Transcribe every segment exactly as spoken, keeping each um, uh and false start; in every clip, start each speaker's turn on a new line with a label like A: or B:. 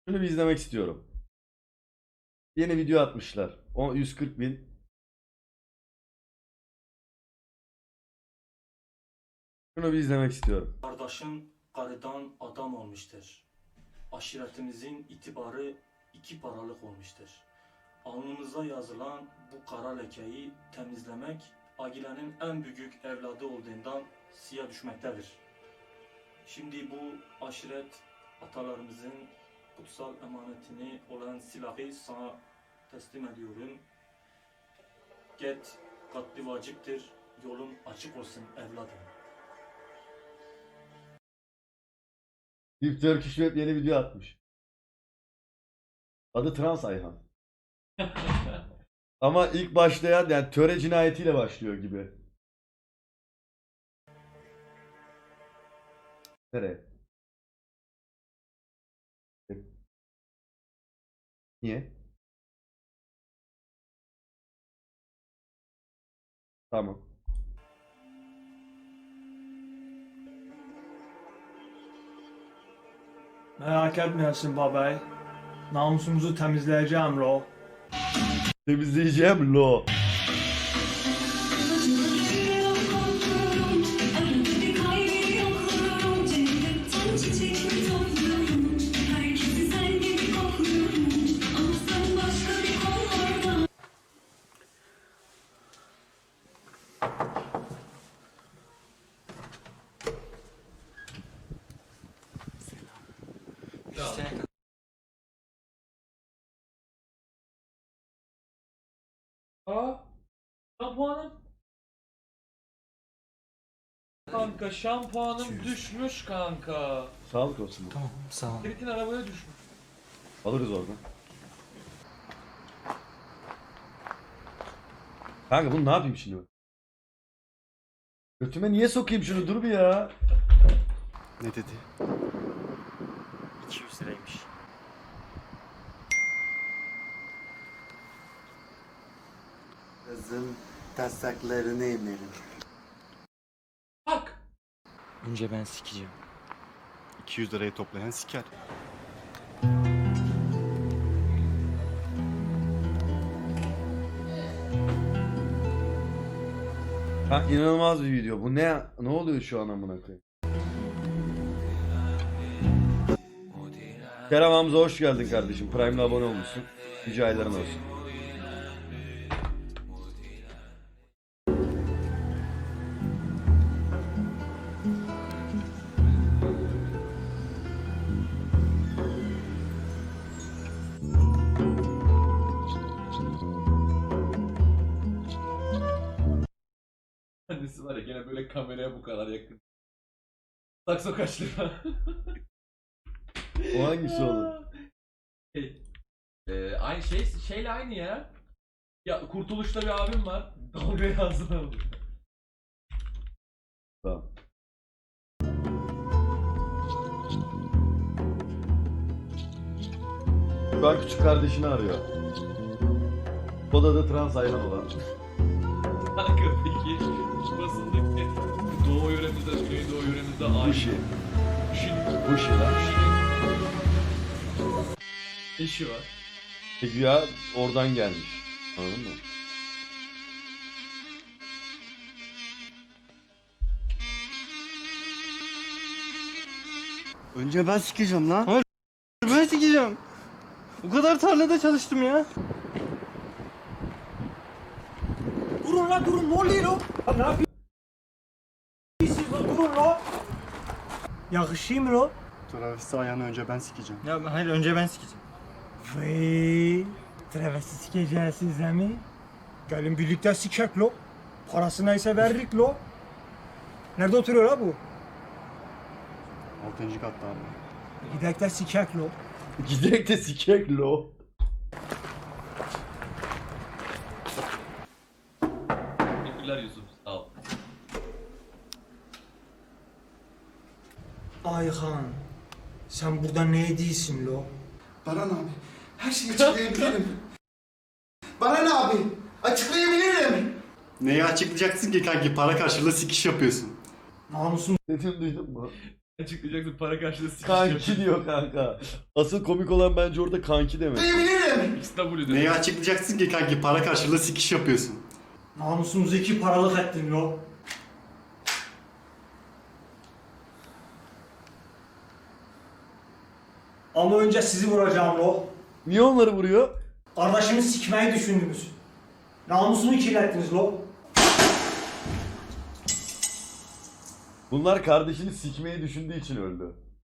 A: Şunu bir izlemek istiyorum. Yeni video atmışlar. O yüz kırk bin. Şunu bir izlemek istiyorum.
B: Kardeşim karıdan adam olmuştur. Aşiretimizin itibarı iki paralık olmuştur. Alnımıza yazılan bu kara lekeyi temizlemek ailenin en büyük evladı olduğundan siya düşmektedir. Şimdi bu aşiret atalarımızın kutsal emanetini olan silahı sana teslim ediyorum. Get katli vaciptir, yolun açık olsun evladım.
A: Deep Turkish Web yeni video atmış. Adı Trans Ayhan. Ama ilk başlayan yani töre cinayetiyle başlıyor gibi. Nereye? Niye? Tamam.
C: Merak etmeyesin babay. Namusumuzu temizleyeceğim lo.
A: Temizleyeceğim lo.
D: Aa, şampuanım. Kanka şampuanım düşmüş kanka.
A: Sağlık olsun.
B: Tamam, sağ ol.
D: Kiritin arabaya düşmüş.
A: Alırız oradan. Kanka bunu ne yapayım şimdi? Götüme niye sokayım şunu, dur bir ya.
E: Ne dedi?
B: iki yüz liraymış.
E: Kızın taslaklarını emerim.
D: Bak.
B: Önce ben sikeceğim.
E: iki yüz lirayı toplayan siker.
A: Ha, inanılmaz bir video. Bu ne ne oluyor şu an amına koyayım? Kerem Hamza hoş geldin kardeşim. Prime'le abone olmuşsun. Yüce ayların olsun.
D: Annesi var ya gene böyle kameraya bu kadar yakın. Sakso kaç lira?
A: O hangisi oğlum?
D: Şey, e, aynı şey şeyle aynı ya. Ya Kurtuluş'ta bir abim var. Dalga ağzına alıyor.
A: Tamam. Şu an küçük kardeşini arıyor. O da da trans ayhan olan.
D: Kanka peki basındaki Doğu yöremizde, Güneydoğu yöremizde aynı.
A: Bushi.
D: Bushi'nin
A: Bushi lan.
D: eşi var.
A: Peki ya oradan gelmiş. Anladın mı?
E: Önce ben sikeceğim lan. Hayır, ben sikeceğim. O kadar tarlada çalıştım ya.
C: Durun la durun, ne oluyor lo? Ne yapıyorsunuz lo, durun lo. Yakışıyor mu lo?
E: Travesti ayağını önce ben sikeceğim.
C: Ya hayır, önce ben sikeceğim. Vay, travesti sikeceğiz size mi? Gelin birlikte sikek lo. Parası neyse veririk lo. Nerede oturuyor la bu?
E: Altıncı katta abi.
C: Gidek de sikek lo.
A: Giderek de sikek lo.
D: Teşekkürler Yusuf. Sağ ol.
C: Ayhan, sen burada ne ediyorsun lo?
F: Baran abi, her şeyi açıklayabilirim. Baran abi, açıklayabilirim.
E: Neyi açıklayacaksın ki kanki? Para karşılığı sikiş yapıyorsun.
C: Namusum
A: Dediğimi duydun mu?
D: Açıklayacaksın para karşılığı sikiş
A: Kanki
D: yapıyor.
A: diyor kanka. Asıl komik olan bence orada kanki demek.
F: Açıklayabilirim.
D: X W
G: Neyi
D: diyor.
G: açıklayacaksın ki kanki? Para karşılığı sikiş yapıyorsun.
C: Namusumuzu iki paralık ettin lo. Ama önce sizi vuracağım lo.
A: Niye onları vuruyor?
C: Kardeşimi sikmeyi düşündünüz. Namusumu kirlettiniz lo.
A: Bunlar kardeşini sikmeyi düşündüğü için öldü.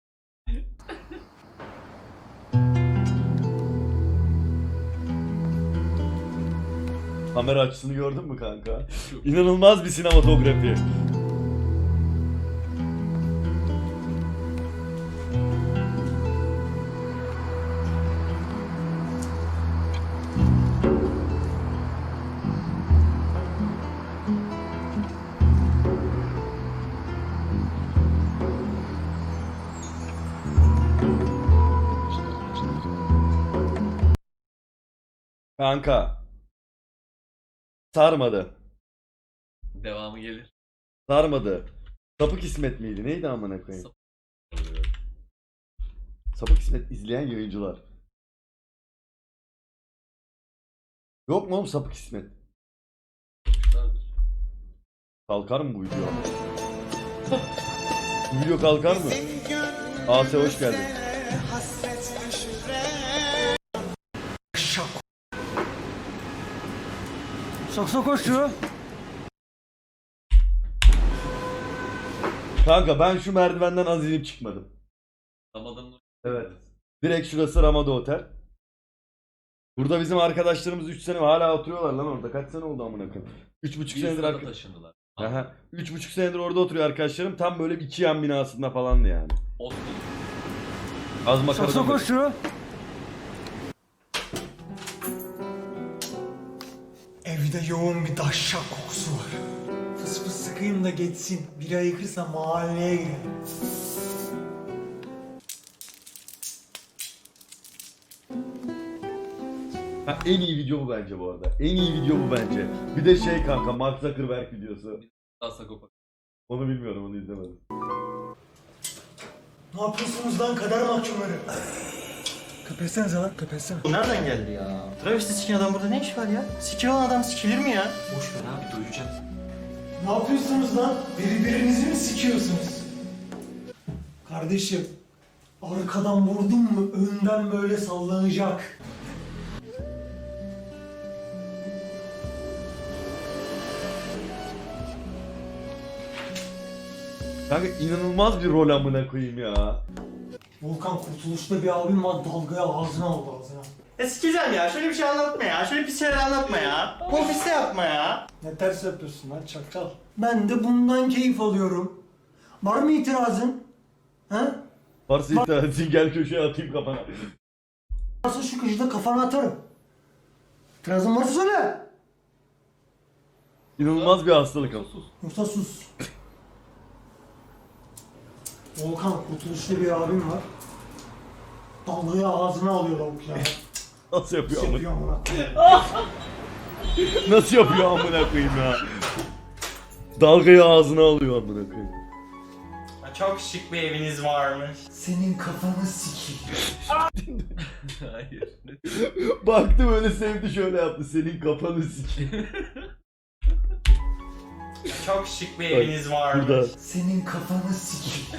A: Kamera açısını gördün mü kanka? İnanılmaz bir sinematografi. Kanka. Sarmadı.
D: Devamı gelir.
A: Sarmadı. Sapık İsmet miydi? Neydi amına koyayım?
D: Sapık.
A: Sapık İsmet izleyen yayıncılar. Yok mu oğlum Sapık İsmet?
D: Yapmışlardır.
A: Kalkar mı bu video? Bu video kalkar mı? Ase hoş geldin.
C: Sok sok koşu.
A: Kanka ben şu merdivenden az inip çıkmadım.
D: Ramazan'ın
A: Evet. Direkt şurası Ramada Otel. Burada bizim arkadaşlarımız üç sene hala oturuyorlar lan orada. Kaç sene oldu amına koyayım? üç buçuk senedir
D: Yusuf'a
A: arka...
D: taşındılar.
A: Aha. üç buçuk senedir orada oturuyor arkadaşlarım. Tam böyle bir iki yan binasında falandı yani.
D: Osman.
A: Az
C: Sok
A: makaradan
C: sok
A: beri.
C: koşu. Evde yoğun bir daşşak kokusu var. Fıs fıs sıkayım da geçsin. Biri ayıkırsa mahalleye girelim.
A: Ha, en iyi video bu bence bu arada. En iyi video bu bence. Bir de şey kanka Mark Zuckerberg videosu.
D: Daha Sagopa.
A: Onu bilmiyorum, onu izlemedim.
C: Ne yapıyorsunuz lan kader mahkumları? Köpetsenize lan köpetsene.
E: Bu nereden geldi ya? Travesti sikin adam burada ne iş var ya? Sikin olan adam sikilir mi ya?
B: Boş ver abi doyacağız.
C: Ne yapıyorsunuz lan? Birbirinizi mi sikiyorsunuz? Kardeşim, arkadan vurdun mu önden böyle sallanacak.
A: Kanka inanılmaz bir rol amına koyayım ya.
C: Volkan Kurtuluş'ta bir abim var dalgaya ağzına aldı ağzına.
E: E sikeceğim ya. Şöyle bir şey anlatma ya. Şöyle pis şeyler anlatma ya. Bu ofiste yapma ya.
C: Ne ters yapıyorsun lan çakal. Ben de bundan keyif alıyorum. Var mı itirazın? He?
A: Varsa itirazın gel köşeye atayım kafana.
C: Varsa şu köşede kafana atarım. İtirazın varsa söyle.
A: İnanılmaz bir hastalık ama.
C: Yoksa sus. Volkan Kurtuluş'ta bir abim var. Dalgayı ağzına alıyor lavuk ya.
A: Nasıl yapıyor amına?
C: Yapıyor amına.
A: Nasıl yapıyor amına koyayım ya? Dalgayı ağzına alıyor amına koyayım.
E: Çok şık bir eviniz varmış.
C: Senin kafanı sikeyim.
D: Hayır.
A: Baktı böyle sevdi şöyle yaptı. Senin kafanı sikeyim.
E: Çok şık bir
A: eviniz Burada.
C: Senin kafanı sikeyim.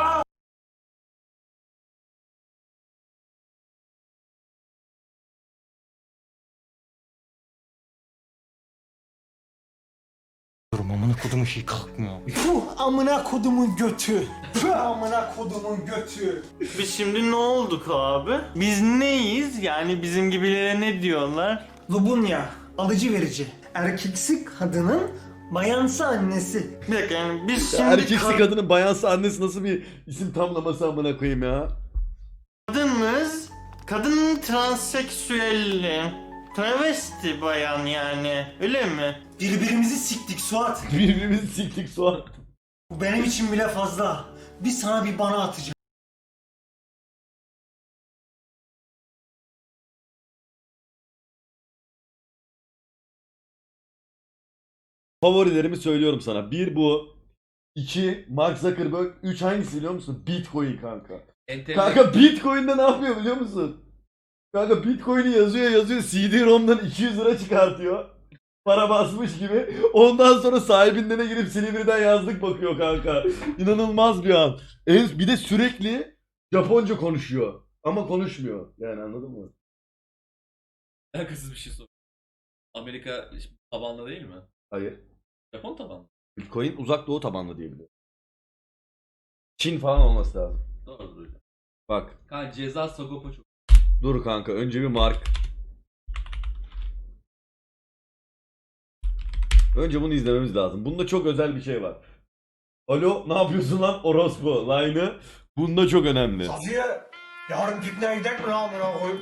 E: Amına kodumu şey kalkmıyor.
C: Puh amına kodumun götü. Puh amına kodumun götü.
E: Biz şimdi ne olduk abi? Biz neyiz? Yani bizim gibilere ne diyorlar?
C: Lubunya, alıcı verici. Erkeksi kadının bayansı annesi.
E: Bir dakika yani biz şimdi
A: Erkeksi
E: ka-
A: kadının bayansı annesi nasıl bir isim tamlaması amına koyayım ya?
E: kadınız, kadın transseksüelli, travesti bayan yani öyle mi?
C: Birbirimizi siktik Suat.
A: Birbirimizi siktik soğan.
C: Bu benim için bile fazla. Bir sana bir bana atacağım.
A: Favorilerimi söylüyorum sana. Bir bu. iki Mark Zuckerberg, üç hangisi biliyor musun? Bitcoin kanka.
D: Enteresan.
A: Kanka Bitcoin'de ne yapıyor biliyor musun? Kanka Bitcoin'i yazıyor yazıyor C D-ROM'dan iki yüz lira çıkartıyor. Para basmış gibi. Ondan sonra sahibinden girip Silivri'den yazdık bakıyor kanka. İnanılmaz bir an. En, bir de sürekli Japonca konuşuyor. Ama konuşmuyor. Yani anladın mı?
D: Alakasız bir şey sor. Amerika tabanlı değil mi?
A: Hayır.
D: Japon tabanlı.
A: Bitcoin uzak doğu tabanlı diye biliyorum. Çin falan olması lazım.
D: Doğrudur.
A: Bak.
D: Kanka ceza Sagopa çok.
A: Dur kanka önce bir mark. Önce bunu izlememiz lazım. Bunda çok özel bir şey var. Alo ne yapıyorsun lan orospu line'ı. Bunda çok önemli.
C: Safiye, yarın pikniğe gidelim mi lan amına koyayım?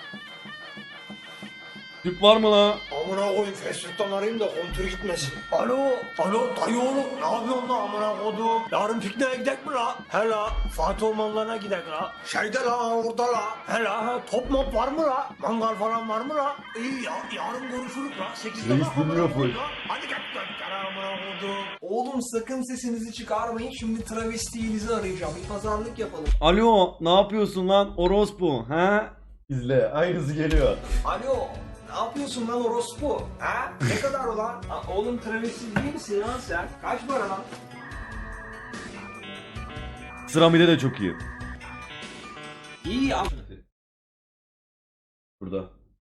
A: Tüp var mı la?
C: Amına koyayım Facebook'tan arayayım da kontür gitmesin. Alo, alo dayı oğlum ne yapıyorsun lan amına kodum? Yarın pikniğe gidelim mi la? He la, Fatih Ormanları'na gidelim la. Şeyde la, orada la. He la, he, top mop var mı la? Mangal falan var mı la? İyi ya, yarın görüşürüz la. sekizde
A: Reis
C: bak amına
A: dinliyor
C: koyayım
A: full.
C: la. Hadi gel gel gel amına kodum.
H: Oğlum sakın sesinizi çıkarmayın. Şimdi travestinizi arayacağım. Bir pazarlık yapalım.
A: Alo ne yapıyorsun lan orospu ha? İzle aynısı geliyor.
H: Alo. Ne yapıyorsun lan orospu? Ha? Ne kadar ulan? Ha, oğlum travesti değil misin lan sen? Kaç para lan?
A: Sıramide de çok iyi.
H: İyi
A: Burada.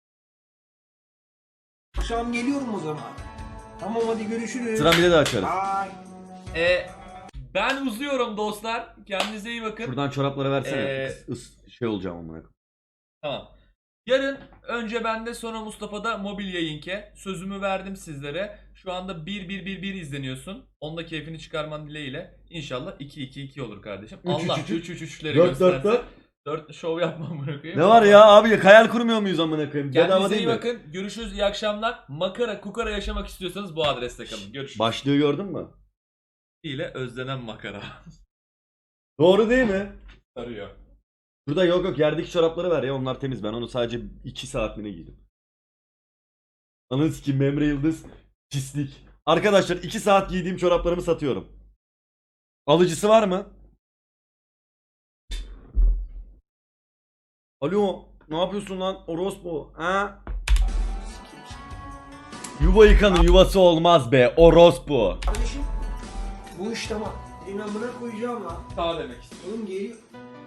H: akşam geliyorum o zaman. Tamam hadi görüşürüz.
A: Sıramide de açarız.
H: Bye.
D: E, ben uzuyorum dostlar. Kendinize iyi bakın.
A: Buradan çorapları versene.
D: Ee,
A: Is, is- şey olacağım amına.
D: Tamam. Yarın önce bende sonra Mustafa'da mobil yayınke. Sözümü verdim sizlere. Şu anda bir bir bir bir izleniyorsun. Onda keyfini çıkarman dileğiyle. İnşallah iki iki iki olur kardeşim.
A: Üç,
D: Allah
A: üç,
D: üç üç üçleri
A: dört, dört,
D: göstersin.
A: dört.
D: dört şov yapmam bırakayım.
A: Ne var ya abi hayal kurmuyor muyuz amına koyayım? Bedava
D: Kendinize
A: değil
D: iyi
A: mi?
D: bakın. Görüşürüz. İyi akşamlar. Makara kukara yaşamak istiyorsanız bu adreste kalın. Görüşürüz.
A: Başlığı gördün mü?
D: ile özlenen makara.
A: Doğru değil mi?
D: Sarıyor.
A: Burada yok yok yerdeki çorapları ver ya onlar temiz ben onu sadece iki saat mi ne giydim. Ananı sikeyim Memre Yıldız pislik. Arkadaşlar iki saat giydiğim çoraplarımı satıyorum. Alıcısı var mı? Alo ne yapıyorsun lan orospu ha? Yuva yıkanın yuvası olmaz be orospu.
H: Kardeşim bu iş tamam. Elin amına koyacağım lan.
D: Sağ demek istiyorum.
H: Oğlum geliyor.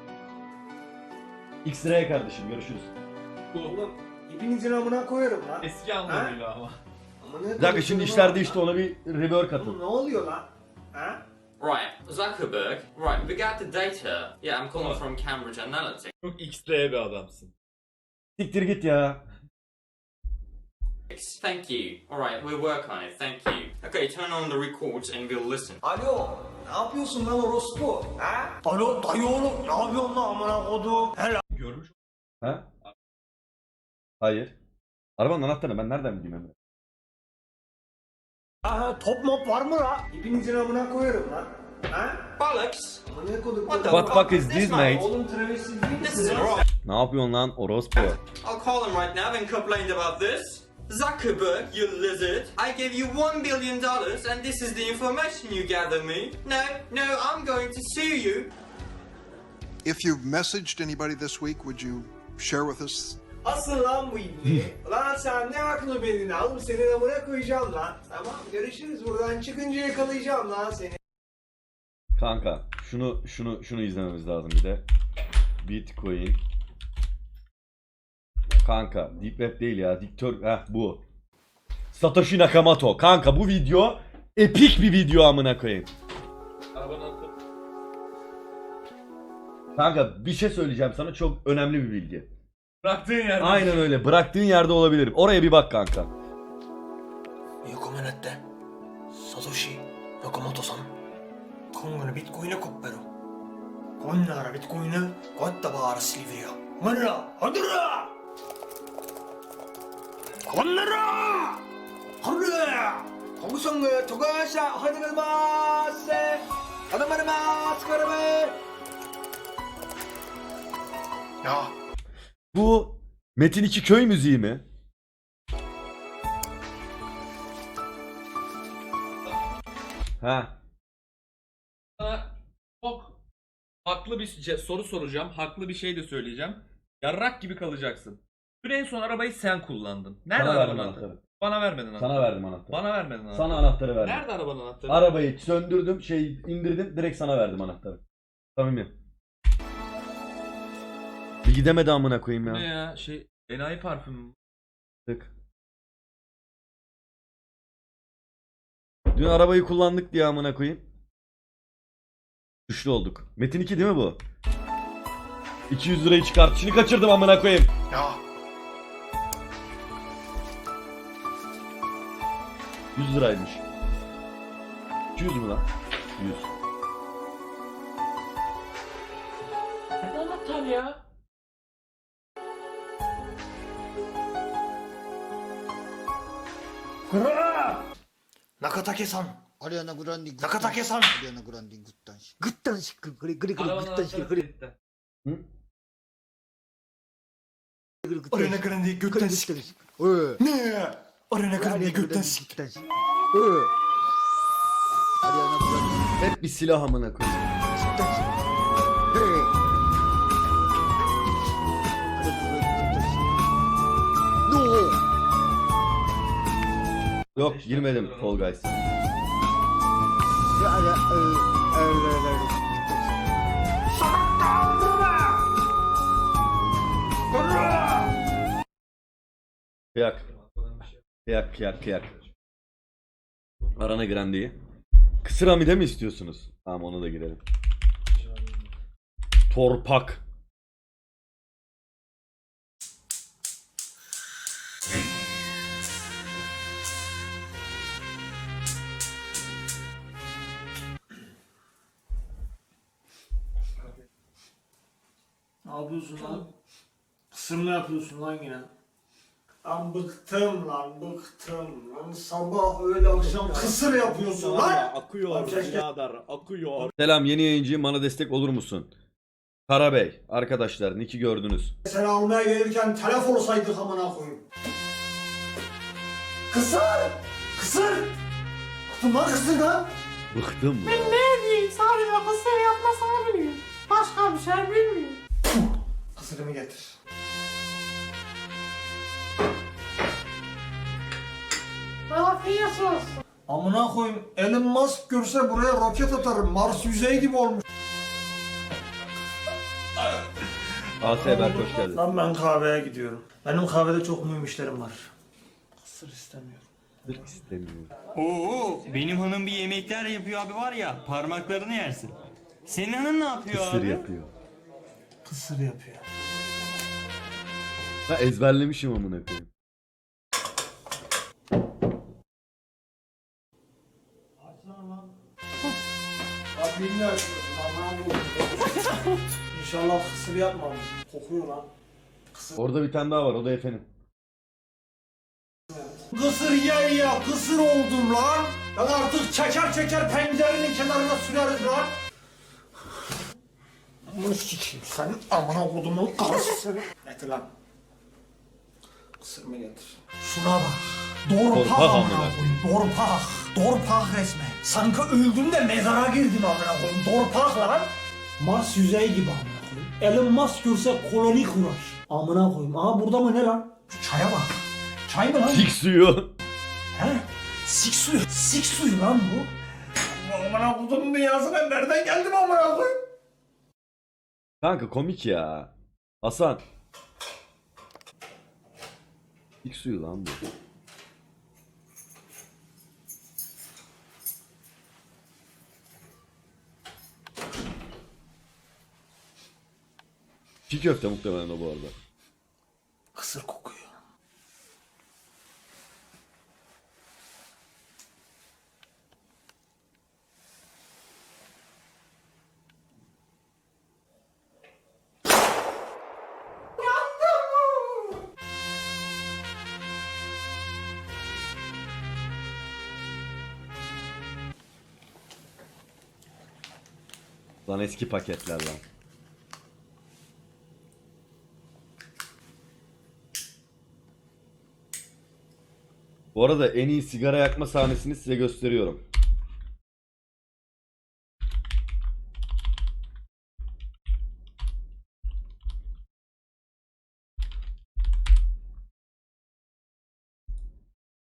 A: X-Ray kardeşim görüşürüz.
D: Bu
H: Oğlum hepinizin amına koyarım lan.
D: eski anlamıyla ama.
H: Amına
A: Bir dakika şimdi işler değişti ona bir rework
H: Oğlum
A: atın.
H: ne oluyor lan? Ha?
I: Right, Zuckerberg. Right, with regard to data, yeah, I'm calling from Cambridge Analytics.
D: Çok X-Ray bir adamsın.
A: Siktir git ya.
I: Thank you. Alright, we'll work on it, thank you. Okay, turn on the records and we'll listen.
H: Alo. Ne yapıyorsun lan orospu? Ha?
C: Alo dayı oğlum ne yapıyorsun lan amına kodum? He la.
D: Görmüş.
A: Ha? Hayır. Arabanın anahtarını ben nereden bileyim Emre?
C: Ha, top mop var mı la?
H: Hepinizin amına koyarım lan. Ha?
I: Bollocks!
H: Amına koydum.
I: What the
A: What fuck is this mate?
H: Oğlum travesti değil
I: This
H: misin?
I: is
H: lan?
I: wrong.
A: Ne yapıyorsun lan orospu?
I: I'll call him right now and complain about this. Zuckerberg, you lizard. I gave you one billion dollars and this is the information you gather me. No, no, I'm going to sue you.
J: If you've messaged anybody this week, would you share with us?
H: Asıl lan bu ibni. Lan sen ne aklı belini alım senin amına koyacağım lan. Tamam görüşürüz buradan çıkınca yakalayacağım lan seni.
A: Kanka şunu şunu şunu izlememiz lazım bir de. Bitcoin. Kanka Deep Web değil ya. Diktör heh bu. Satoshi Nakamoto. Kanka bu video epik bir video amına koyayım.
D: Arabanın altı.
A: Kanka bir şey söyleyeceğim sana çok önemli bir bilgi.
D: Bıraktığın yerde.
A: Aynen öyle. Bıraktığın yerde olabilirim. Oraya bir bak kanka.
C: 横目なってサトシ中本さん今後のビットコインのコッペロこんならビットコインのこったばらしりべよマンラハドラこんならハルコグソングトガーシャハデガルマーセハダマルマースカラベや
A: Bu Metin iki köy müziği mi? Ha.
D: Haklı bir ce- soru soracağım. Haklı bir şey de söyleyeceğim. Yarrak gibi kalacaksın. Dün en son arabayı sen kullandın. Nerede
A: Sana
D: arabanın
A: verdim
D: anahtarı?
A: anahtarı.
D: Bana vermedin anahtarı.
A: Sana verdim anahtarı.
D: Bana vermedin anahtarı.
A: Sana anahtarı verdim.
D: Nerede arabanın anahtarı?
A: Arabayı söndürdüm, şey indirdim, direkt sana verdim anahtarı. Samimi. Bir gidemedi amına koyayım
D: Bu
A: ya.
D: ne ya? Şey enayi parfümü mü?
A: Tık. Dün arabayı kullandık diye amına koyayım. Güçlü olduk. Metin iki değil mi bu? iki yüz lirayı çıkartışını kaçırdım amına koyayım.
F: Ya
A: yüz liraymış. iki yüz mü lan? yüz.
D: Nerede anahtar ya?
C: Nakatake-san.
F: Ariana Grande
C: Nakatake-san.
F: Ariana Grande guttanし guttanし 그래 그래 그래
D: Arabanın
F: guttanし
D: anahtarı
F: 그래
D: kilitli.
A: Hı?
F: 그래 guttan
C: Ariana Grande
F: 그래
C: götten
F: guttanし 어
C: Ne? Ariana Grande götten sik.
F: guttanし 어 Ariana Grande
A: Hep bir silah amına koyayım.
F: guttanし 그래 Ariana Grande guttanし No
A: Yok girmedim Fall Guys.
F: Ya ya ı ı
A: Kıyak. Kıyak kıyak kıyak. Arana Grande'yi. Kısır Hamide mi istiyorsunuz? Tamam onu da girelim. Torpak.
C: Ne yapıyorsun lan? Kısır mı yapıyorsun lan yine? Lan bıktım lan bıktım lan sabah öğle akşam kısır yapıyorsun lan.
A: Akıyor
C: birader,
A: akıyor. Selam yeni yayıncı, bana destek olur musun? Karabey arkadaşlar Nick'i gördünüz.
C: Seni almaya gelirken telef olsaydık amına koyayım. Kısır! Kısır! Bıktım lan kısır lan.
A: Bıktım mı?
C: Ne diyeyim sadece kısır yapmasını biliyorum. Başka bir şey bilmiyorum. Kısırımı getir.
K: Afiyet olsun.
C: Amına koyayım Elon Musk görse buraya roket atarım. Mars yüzeyi gibi olmuş.
A: A S Berk hoş geldin.
C: Lan ben kahveye gidiyorum. Benim kahvede çok mühim işlerim var. Kısır istemiyorum.
A: Sırf istemiyorum.
E: Oo, benim hanım bir yemekler yapıyor abi var ya, parmaklarını yersin. Senin hanım ne yapıyor
A: Kısır
E: abi?
A: yapıyor.
C: Kısır yapıyor.
A: Ben ezberlemişim amına koyayım.
C: Bak bilmiyorum açıyorsun amına koyayım. İnşallah kısır yapmam. Kokuyor lan. Kısır.
A: Orada bir tane daha var, o da efendim.
C: Kısır ye ya kısır oldum lan. Ben artık çeker çeker pencerenin kenarına süreriz lan. Amına sikeyim sen amına kodumun karısı seni. Getir lan. Kısır mı getir? Şuna bak. Dorpak
A: Dorpak
C: amına
A: amına
C: koyayım. Dorpak. Dorpak resmen. Sanki öldüm de mezara girdim amına koyayım. Dorpak lan. Mars yüzeyi gibi amına koyayım. Elon Musk görse koloni kurar. Amına koyayım. Aha burada mı ne lan? Şu çaya bak. Çay mı lan?
A: Sik suyu.
C: He? Sik suyu. Sik suyu lan bu. Amına kodumun dünyasına nereden geldim amına koyayım?
A: Kanka komik ya. Hasan. Sik suyu lan bu. Çiğ köfte muhtemelen o bu arada.
C: Kısır kokuyor.
A: Lan eski paketler lan. Bu arada en iyi sigara yakma sahnesini size gösteriyorum.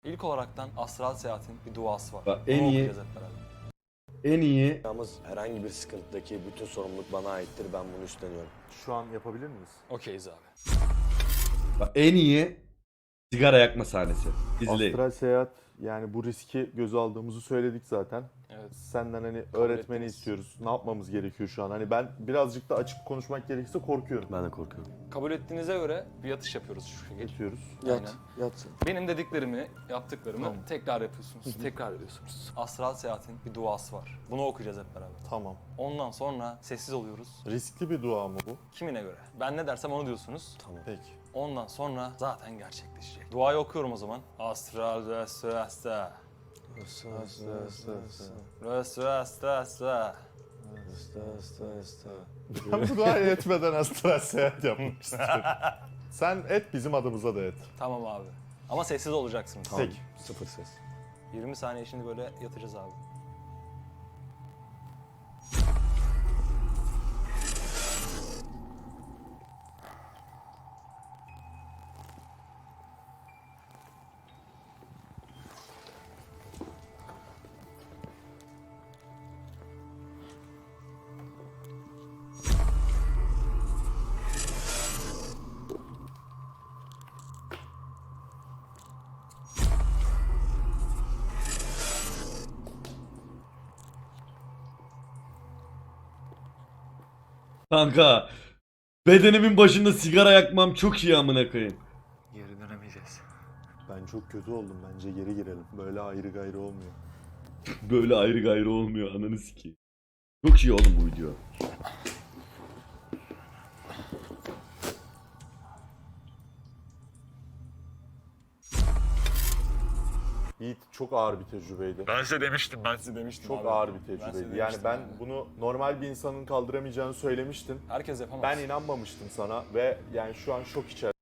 E: İlk olaraktan astral seyahatin bir duası var.
A: Bak, en
E: Bunu
A: iyi-
E: okuyacağız hep beraber.
A: En iyi
C: Yalnız herhangi bir sıkıntıdaki bütün sorumluluk bana aittir. Ben bunu üstleniyorum.
G: Şu an yapabilir miyiz?
E: Okeyiz abi.
A: bak, en iyi sigara yakma sahnesi. İzleyin.
G: Astral seyahat, yani bu riski göze aldığımızı söyledik zaten.
E: Evet.
G: Senden hani öğretmeni
E: ettiniz.
G: istiyoruz. Ne yapmamız gerekiyor şu an? Hani ben birazcık da açık konuşmak gerekirse korkuyorum.
C: Ben de korkuyorum.
E: Kabul ettiğinize göre bir yatış yapıyoruz şu şekilde.
G: Geçiyoruz.
E: Aynen.
C: Yatsın.
E: Benim dediklerimi, yaptıklarımı
G: Tamam.
E: tekrar yapıyorsunuz. tekrar ediyorsunuz. Astral seyahatin bir duası var. Bunu okuyacağız hep beraber.
G: Tamam.
E: Ondan sonra sessiz oluyoruz.
G: Riskli bir dua mı bu?
E: Kimine göre? Ben ne dersem onu diyorsunuz.
C: Tamam.
G: Peki.
E: Ondan sonra zaten gerçekleşecek. Duayı okuyorum o zaman. Astral resta. Resta.
G: Ben bu duayı etmeden astral seyahat yapmak istiyorum. Sen et, bizim adımıza da et.
E: Tamam abi. Ama sessiz olacaksınız.
G: Peki.
C: Sıfır ses.
E: yirmi saniye şimdi böyle yatacağız abi.
A: Kanka bedenimin başında sigara yakmam çok iyi amına koyayım.
B: Geri dönemeyeceğiz.
G: Ben çok kötü oldum. Bence geri girelim. Böyle ayrı gayrı olmuyor.
A: Böyle ayrı gayrı olmuyor ananı sikeyim. Çok iyi oğlum bu video.
G: Yiğit, çok ağır bir tecrübeydi.
E: Ben size demiştim, ben size demiştim
G: Çok
E: abi.
G: ağır bir
E: Ben size
G: tecrübeydi. Yani
E: demiştim
G: ben
E: yani.
G: bunu normal bir insanın kaldıramayacağını söylemiştim.
E: Herkes yapamaz.
G: Ben inanmamıştım sana ve yani şu an şok içerisindeyim.